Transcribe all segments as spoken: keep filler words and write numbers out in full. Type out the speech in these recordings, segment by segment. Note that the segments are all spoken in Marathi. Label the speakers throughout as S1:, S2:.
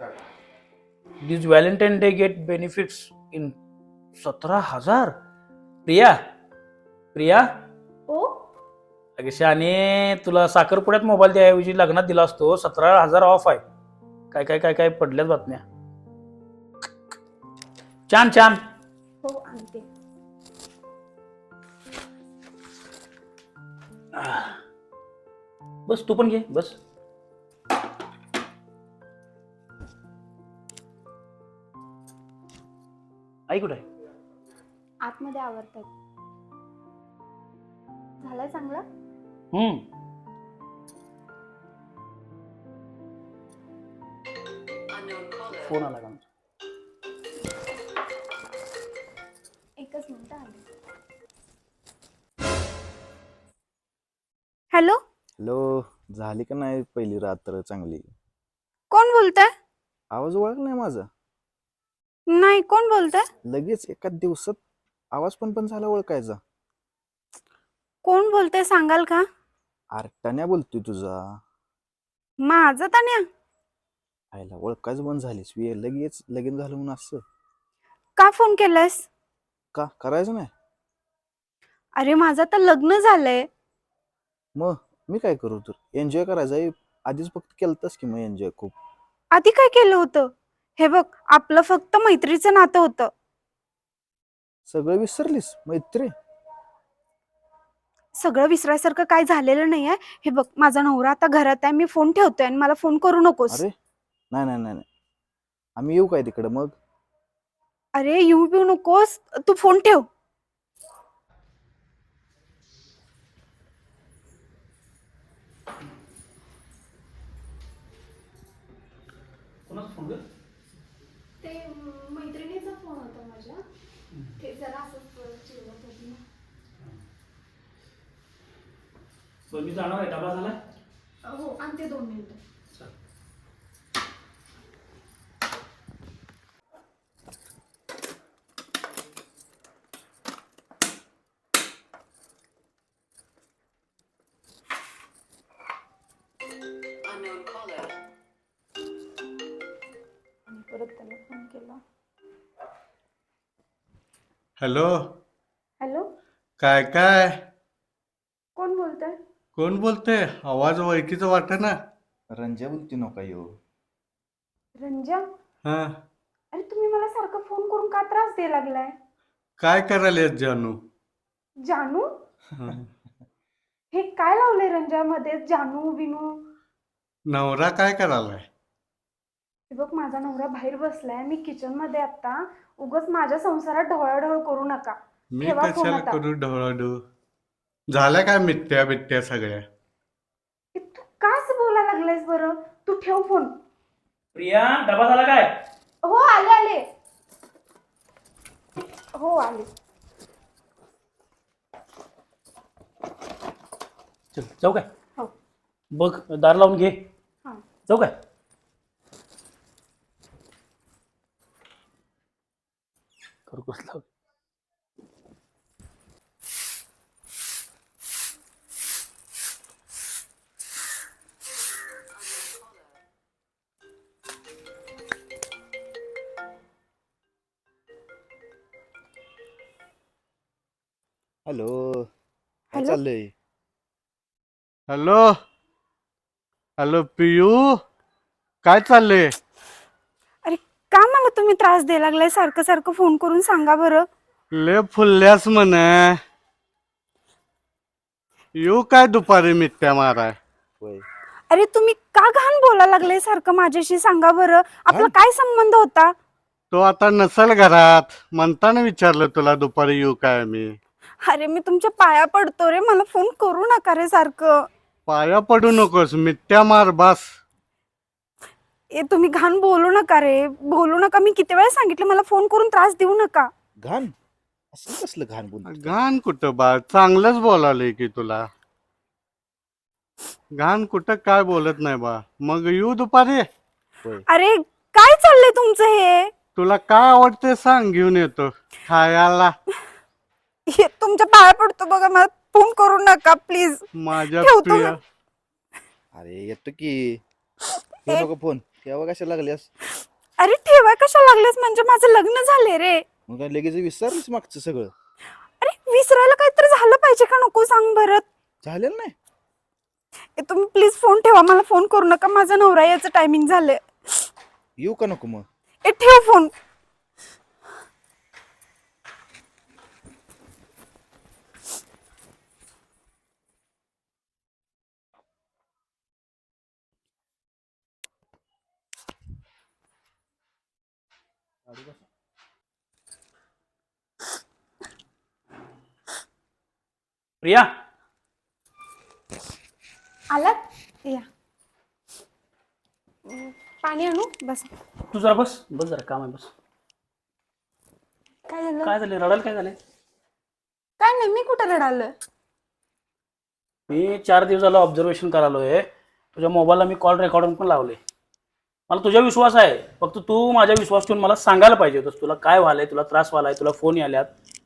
S1: This Valentine Day get benefits in सतरा हजार. प्रिया प्रिया
S2: ओ
S1: अगे शाने, तुला साखरपुड्यात मोबाईल द्याऐवजी लग्नात दिला असतो. सतरा हजार ऑफ आहे. काय काय काय काय पडल्यात बातम्या. छान छान.
S2: हो आणते.
S1: बस तू पण घे बस. आई कुठे आहे?
S2: आतमध्ये आवरतात. झालंय चांगलं.
S1: हम्म फोन आला का?
S2: एकच मिनिट आले. हॅलो
S3: हॅलो, झाली का नाही पहिली रात्र चांगली?
S2: कोण बोलताय?
S3: आवाज ओळख नाही माझा?
S2: नाही, कोण बोलताय?
S3: लगेच एका दिवसात आवाज पण पण झाला ओळखायचा.
S2: कोण बोलताय सांगाल का?
S3: आरटाण्या बोलतोय तुझा.
S2: माझं तान्या?
S3: आईला ओळखायचं बंद झालीस वे लगेच लगीन झालं म्हणून असं
S2: का फोन केलास?
S3: का करायचं नाही?
S2: अरे माझं तर लग्न झालंय.
S3: मग मी काय करू? तर एन्जॉय करायचा आहे. आधीच फक्त केलंतस की मग एन्जॉय खूप.
S2: आधी काय केलं होतं? हे बघ, आपलं फक्त मैत्रीचं नातं होतं.
S3: सगळं विसरलीस मैत्री?
S2: सगळं विसरायसारखं काय झालेलं नाहीये. हे बघ, माझा नवरा आता घरात आहे. मी फोन ठेवतोय आणि मला फोन करू नकोस.
S3: अरे नाही नाही नाही नाही. आम्ही येऊ काय तिकडं मग?
S2: अरे येऊ बिऊ नकोस, तू फोन ठेव.
S1: कोणाचा फोन ग?
S2: ते मैत्रिणीचा फोन होता माझ्या. ते जरा असंच चिडवत होती ना.
S1: बरं मी जाणार आहे. डबा झाला?
S2: हो आणते, दोन मिनिटं. परत त्याला फोन केला.
S4: हॅलो,
S2: हॅलो,
S4: काय काय
S2: कोण बोलतंय?
S4: कोण बोलते? आवाज ओळखीचा वाटत ना.
S3: रंजा बोलती नका येऊ.
S2: रंजा?
S4: हा,
S2: अरे तुम्ही मला सारखं फोन करून का त्रास द्यायला लागलाय?
S4: काय करायला जानू?
S2: जानू?
S4: हं.
S2: हे काय लावलंय रंजा मध्ये? जानू बिनू?
S4: नवरा काय करायलाय?
S2: हे बघ, माझा नवरा बाहेर बसलाय. मी किचन मध्ये आता. उगाच माझ्या संसारात ढवळाढवळ करू नका.
S4: मी
S2: ठेवा फोन
S4: कशाला
S2: आता.
S4: करू ढवळाढू? झाल्या काय मिथ्या बित्त्या सगळ्या?
S2: हे तू काच बोलायला लागलायस बरं? तू ठेव फोन.
S1: प्रिया डबा झाला काय?
S2: हो आले आले. हो आले.
S1: चल जाऊ काय?
S2: हो.
S1: बघ दार लावून घे.
S2: हा.
S1: जाऊ काय? करू कसला?
S3: हॅलो, काय
S2: हॅलो?
S3: चाललंय?
S4: हॅलो हॅलो पियू, काय चाललंय?
S2: अरे का मला तुम्ही त्रास द्यायला लागलाय? सारखं सारखं फोन करून सांगा बरं.
S4: ले फुलल्यास म्हण. येऊ काय दुपारी मिथ्या माराय?
S3: होय.
S2: अरे तुम्ही का घाण बोलायला लागलाय सारखं माझ्याशी? सांगा बरं, आपला
S3: घाण?
S2: काय संबंध होता?
S4: तो आता नसल घरात, म्हणताना विचारलं तुला दुपारी येऊ काय मी.
S2: अरे मी तुमच्या पाया पडतो रे, मला फोन करू नका रे सारखं.
S4: पाया पडू नकोस, मिथ्या मार बास.
S2: ए तुम्ही घाण बोलू नका रे, बोलू नका. मी किती वेळा सांगितलं मला फोन करून त्रास देऊ नका.
S3: घाण? असं कसलं घाण बोलतो?
S4: घाण कुठं बा, चांगलंच बोलालंय की तुला. घाण कुठं काय बोलत नाही बा. मग येऊ दुपारी?
S3: होय.
S2: अरे काय चाललंय तुमचं हे?
S4: तुला काय आवडते सांग, घेऊन येतो खायला.
S2: हे तुमच्या पाया पडतो बघा, मला फोन करू नका प्लीज.
S4: माझ्या
S2: ठेवतो
S4: प्रिया.
S2: मी.
S3: अरे येतो की. घेऊ
S2: ए-
S3: नको फोन. केव्हा कशाला लागल्यास?
S2: अरे ठेवा कशा लागलेस म्हणजे माझं लग्न झाले रे.
S3: मग काय लगेच विसरलीस मागचं सगळं?
S2: अरे विसरायला काहीतरी झालं पाहिजे का नको सांग बरं.
S3: झालेलं नाही?
S2: ए, तुम्ही प्लीज फोन ठेवा, मला फोन करू नका, माझा नवरा याचं टायमिंग झालंय.
S3: येऊ का नको मग?
S2: ए ठेव फोन.
S1: प्रिया,
S2: आलात या. अं, पाणी आणू बस.
S1: तू जरा बस बस जरा काम आहे बस.
S2: काय झालं?
S1: काय झालं रडायला? काय झालंय?
S2: काय नाही, मी कुठं रडालोय?
S1: मी चार दिवस झालं ऑब्झर्वेशन करालोय. तुझ्या मोबाईलला मी कॉल रेकॉर्डिंग पण लावले. मला तुझ्या विश्वास आहे, फक्त तू माझ्या विश्वास ठेवून मला सांगायला पाहिजे होतंस तुला काय व्हायलंय, तुला त्रास व्हायलाय, तुला फोन याल्यात.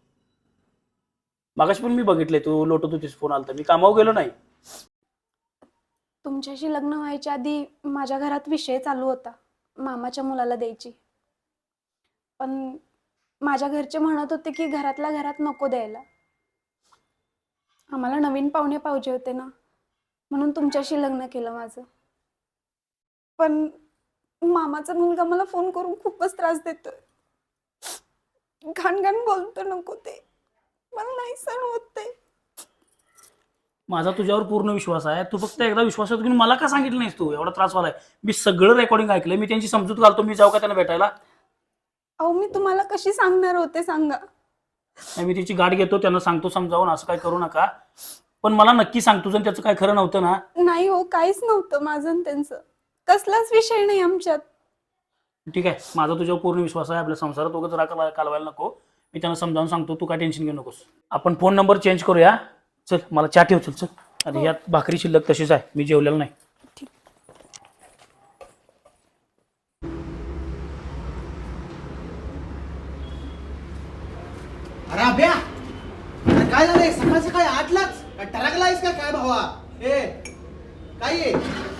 S1: मागाशी पण मी बघितले तू लोटत होतीस, फोन आलता. मी कामावर गेलो नाही.
S2: तुमच्याशी लग्न व्हायच्या आधी माझ्या घरात विषय चालू होता मामाच्या मुलाला द्यायची, पण माझ्या घरचे म्हणत होते की घरातल्या घरात नको द्यायला. आम्हाला नवीन पाहुणे पाहिजे होते ना, म्हणून तुमच्याशी लग्न केलं माझं. पण मामाचा मुलगा मला फोन करून खूपच त्रास देतोय, घाण घाण बोलतो. नको ते, मला नाही सहन होत ते.
S1: माझा तुझ्यावर पूर्ण विश्वास आहे. तू फक्त एकदा विश्वासात घेऊन मला का सांगितलं नाहीस? तू एवढा त्रास व्हायलाय, मी सगळं रेकॉर्डिंग ऐकलंय. मी त्यांची समजूत घालतो. मी जाऊ का त्यांना भेटायला?
S2: अहो मी तुम्हाला कशी सांगणार होते सांगा.
S1: नाही, मी तिची गाठ घेतो, त्यांना सांगतो समजावून असं काय करू नका. पण मला नक्की सांग, तुझं त्याचं काय खरं नव्हतं ना?
S2: नाही हो, काहीच नव्हतं माझं आणि त्यांचं, कसलाच विषय नाही आमच्यात.
S1: ठीक आहे, माझा तुझ्यावर पूर्ण विश्वास आहे. आपल्या संसारात उगाच राग कालवायला नको. मी त्यांना समजावून सांगतो, तू काय टेन्शन घेऊ नकोस. आपण फोन नंबर चेंज करूया. चल, मला चहा ठेव. चल चल. आणि यात भाकरी शिल्लक तशीच आहे, मी जेवलेलं नाही.
S5: अरे अभ्या, अरे काय झालंय? सकाळ सकाळी आठलाच काय टरकलायस का काय भावा? ए काय आहे?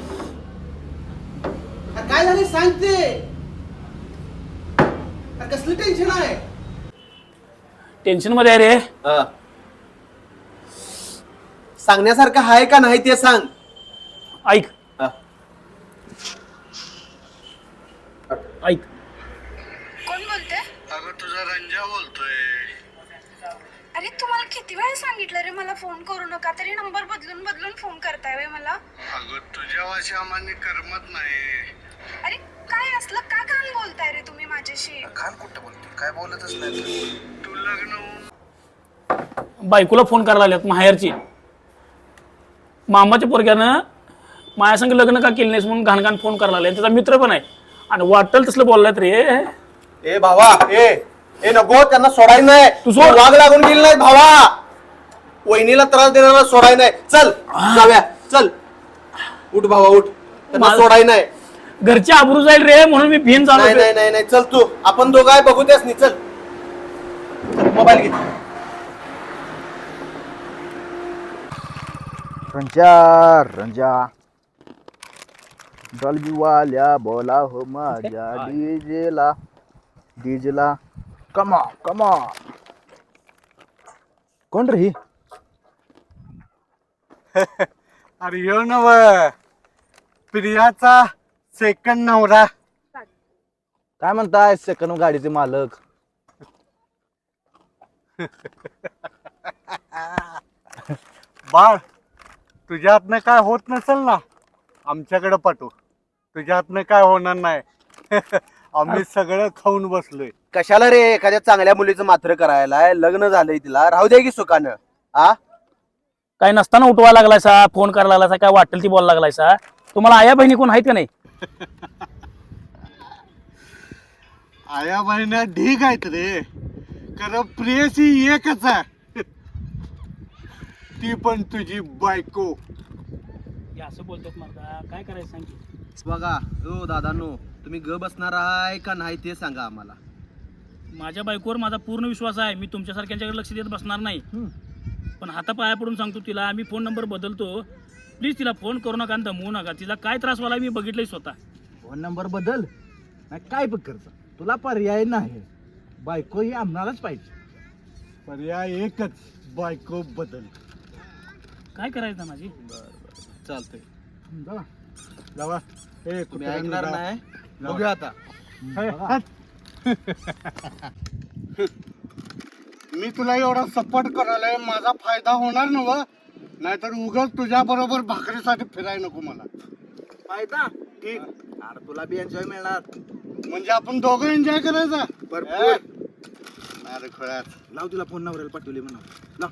S5: अरे काय झालंय सांगते. अरे कसलं टेन्शन आहे?
S1: टेन्शन मध्ये आहे रे.
S5: सांगण्यासारखं आहे का नाही ते सांग.
S1: ऐक ऐक
S2: कोण बोलते?
S4: अगं तुझा रंजा बोलतोय.
S2: अरे तुम्हाला किती वेळा सांगितलं रे मला फोन करू नका, तरी नंबर बदलून बदलून फोन करताय वे मला.
S4: अगं तुझ्या वाशी आम्हाला करमत नाही.
S2: अरे काय असलं, का घाण बोलताय रे तुम्ही माझ्याशी?
S5: खान कुठं बोलतो? काय बोलतच नाही.
S4: तू लग्न होऊन
S1: बायकोला फोन करायला लागल्यात माहेरची. मामाच्या पोरग्यानं माझ्यासंग लग्न का केलं नाहीस म्हणून घाण घाण फोन करायला लागले. त्याचा मित्र पण आहे आणि वाटल तसलं बोललात रे.
S5: ए भावा, ए ए नको, त्यांना सोडायचं नाही.
S1: तू सोड.
S5: वाघ लागून गेली नाही भावा. वहिनीला त्रास देणारा सोडाय नाही. चल जाऊया, चल उठ भावा उठ. त्यांना
S1: माझं-
S5: सोडाय नाही.
S1: घरची आबरू जाईल रे म्हणून मी भिन
S5: नाही
S1: झालो.
S5: नाही नाही नाही चल तू, आपण दोघं आहे बघू त्यास नाही. चल मोबाईल घे.
S3: रंजा रंजा डॉल्बी वाल्या बोला हो माझ्या डीजेला डीजेला कमा कमा. कोण रे ही?
S4: अरे यो नव प्रियाचा सेकंड नवरा.
S3: काय म्हणताय सेकंड गाडीचे मालक?
S4: बाळ, तुझ्या हातनं काय होत नसेल ना, आमच्याकडे पाठव. तुझ्या हातनं काय होणार नाही. आम्ही सगळं खाऊन बसलोय.
S5: कशाला रे एखाद्या चांगल्या मुलीचं मात्र करायला? लग्न झालंय तिला, राहू दे की सुखानं. आ
S1: काय नसताना उठवायला लागलायसा, फोन करायला लागलायसा, काय वाटेल ती बोलायला लागलायसा. तुम्हाला आया बहिणी कोण आहेत का नाही?
S4: आया बहिण्या ढीग आहेत रे, कारण प्रियसी एकच आहे, ती पण तुझी बायको.
S1: हे असं बोलतात मला, काय करायचं सांग की.
S5: बघा हो दादानो, तुम्ही ग बसणार आहे का नाही ते सांगा आम्हाला.
S1: माझ्या बायकोवर माझा पूर्ण विश्वास आहे. मी तुमच्यासारख्यांच्याकडे लक्ष देत बसणार नाही. पण हातापाया पडून सांगतो तिला, आम्ही फोन नंबर बदलतो. प्लीज तिला फोन करू नका आणि दमवू नका. तिला काय त्रास व्हायला मी बघितलंय स्वतः.
S3: फोन नंबर बदल नाही काय पण करता तुला पर्याय नाही बायको ही आम्हालाच पाहिजे
S4: पर्याय एकच, बायको बदल.
S1: काय करायचं माझी?
S3: चालतंय
S4: जावा जावा. ए
S3: तुम्ही
S4: कुत्र्यांनो
S3: ऐकणार
S4: जावा.
S3: नाही
S4: जावा.
S3: बघूया आता
S4: हे, हट. मी तुला एवढा सपोर्ट करायला माझा फायदा होणार ना व नाहीतर उगाच तुझ्या बरोबर भाकरीसाठी फिराय नको मला.
S3: फायदा ठीक अरे तुला बी एन्जॉय मिळणार
S4: म्हणजे आपण दोघं एन्जॉय करायचा.
S3: भरपूर.
S4: अरे खळ्यात
S3: लाव तिला फोन नवऱ्याला पाठवली म्हणा लाव.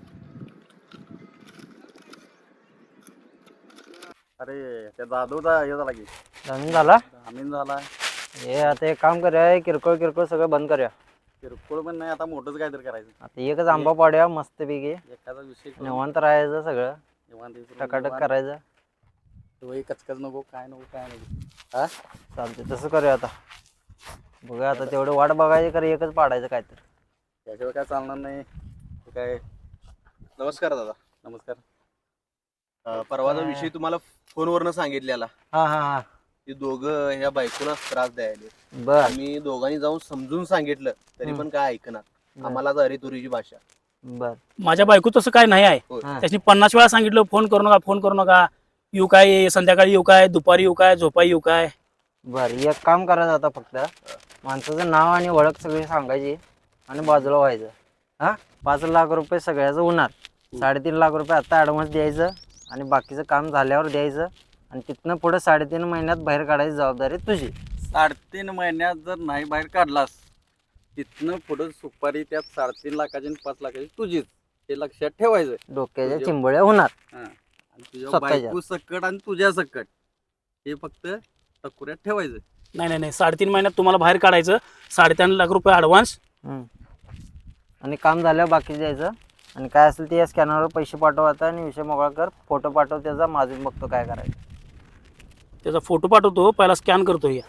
S5: अरे त्या दादूचा हे झाला की
S6: जामीन झाला
S5: जामीन झाला.
S6: हे आता एक काम करूया किरकोळ किरकोळ सगळं बंद करूया.
S5: किरकोळ पण नाही, आता मोठंच काहीतरी करायचं.
S6: आता एकच आंबा पाडूया मस्त पैकी
S5: एखादा विषय करून
S6: निवांत राहायचं सगळं
S5: निवांत विसरून
S6: टकाटक
S5: निवांत.
S6: करायचं.
S5: वही कचकच नको काय नको काय नको. हा
S6: चालते तसं करूया आता. बघूया आता तेवढं वाट बघायची कर एकच पाडायचं काय तर.
S5: त्याशिवाय काय चालणार नाही. ते काय. नमस्कार दादा. नमस्कार. अं, परवाचा विषय तुम्हाला फोनवरनं सांगितलेला
S6: हा हा हा
S5: की दोघं ह्या बायकोला त्रास द्यायला.
S6: बर
S5: आम्ही दोघांनी जाऊन समजून सांगितलं तरी पण काय ऐकणार. आम्हाला अरे तुरीची भाषा.
S6: बर
S1: माझ्या बायको तसं काय नाही आहे.
S5: होय.
S6: हा.
S1: त्याची पन्नास वेळा सांगितलं फोन करू नका फोन करू नका. येऊ काय संध्याकाळी येऊ काय दुपारी येऊ काय झोपाई येऊ काय.
S6: बर एक काम करायचं आता फक्त माणसाचं नाव आणि ओळख सगळी सांगायची आणि बाजूला व्हायचं. हा पाच लाख रुपये सगळ्याचं होणार. साडेतीन लाख रुपये आता ॲडव्हान्स द्यायचं आणि बाकीचं काम झाल्यावर द्यायचं आणि तिथनं पुढे साडेतीन महिन्यात बाहेर काढायची जबाबदारी तुझी.
S5: साडेतीन महिन्यात जर नाही बाहेर काढलास तिथनं पुढं सुपारी त्यात साडेतीन लाखाची आणि पाच लाखाची तुझीच. हे लक्षात ठेवायचं.
S6: डोक्याच्या चिंबळ्या होणार.
S5: हा. आणि तुझ्या
S6: स्वतःच्या.
S5: बायको सकट आणि तुझ्या सकट हे फक्त टकुऱ्यात ठेवायचं.
S1: नाही नाही नाही साडेतीन महिन्यात तुम्हाला बाहेर काढायचं. साडेतीन लाख रुपये ॲडव्हान्स.
S6: हम्म. आणि काम झाल्यावर बाकी द्यायचं आणि काय असेल ते या स्कॅनरवर पैसे पाठवायचा आणि विषय मोकळा कर. फोटो पाठव त्याचा माझून बघतो काय करायचं.
S1: त्याचा फोटो पाठवतो पहिला स्कॅन करतो. या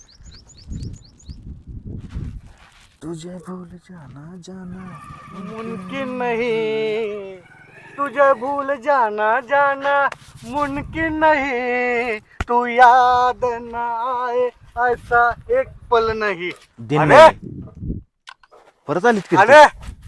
S3: तुझे भूल जाना जाना
S4: मुमकिन नहीं तुझे भूल जाना जाना मुमकिन नहीं तू याद न आए ऐसा एक पल नहीं.
S3: दिन
S4: अरे
S3: नाही. परत आलीत की
S4: अरे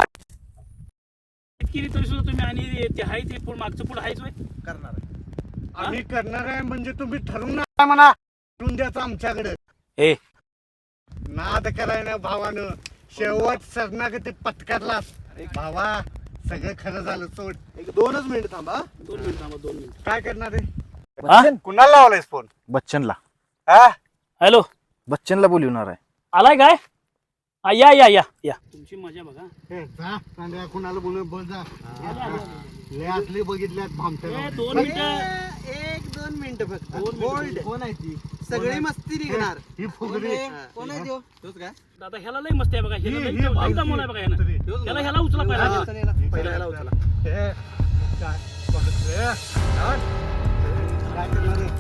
S1: केली तरी सुद्धा तुम्ही आणि ते आहे ते पुढं मागचं पुढं आहेच होय.
S3: करणार आहे.
S4: आम्ही करणार आहे म्हणजे तुम्ही ठरवून नका म्हणा. ठरवून द्यायचं आमच्याकडे.
S1: ए
S4: नाद करायला भावानं शेवट सरणागती पत्करला. भावा सगळं खरं झालं सोड.
S3: एक दोनच मिनिट थांबा.
S1: दोन मिनिट थांबा दोन मिनिट.
S4: काय करणार आहे?
S3: बच्चन
S4: कुणाला लावलायस फोन?
S3: बच्चनला
S4: हा
S1: हॅलो
S3: बच्चनला बोलवणार आहे.
S1: आलाय काय? हा, या या या या तुमची मजा बघा.
S4: ए, जा सांगा कुणाला बोलू बोल जा.
S1: आले, आले, आले.
S4: लय असली बघितल्यात
S1: ए,
S4: भामट्या.
S1: दोन मिनिटं
S7: एक दोन मिनिट फक्त
S1: दोन
S7: होल्ड
S3: कोण आहे ती?
S7: सगळी मस्ती निघणार.
S4: ही फुगडी.
S7: कोण आहे त्यो?
S1: दादा ह्याला लय मस्त आहे बघा. ह्याला
S4: ही-
S1: लय
S4: ही
S1: लय दमवलं आहे बघा ह्यानं.
S4: फुगडी.
S1: ह्याला ह्याला उचला पहिला.
S3: पहिला ह्याला उचला.
S4: ए, काय बघतोय? हा? काय करणार आहे?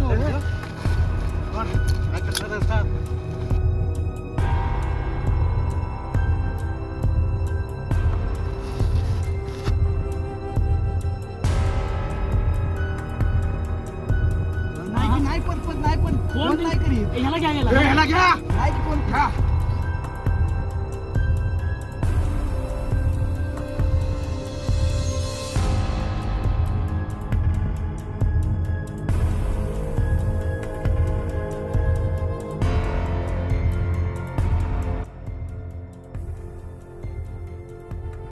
S4: कोण? काय करणार आहे सांग?
S7: नाही नाही पण पण नाही पण
S1: कोण
S7: कोण नाही करीत.
S1: ए, ह्याला घ्या
S4: ए,
S1: ह्याला.
S4: ह्याला घ्या.
S7: नाही की कोण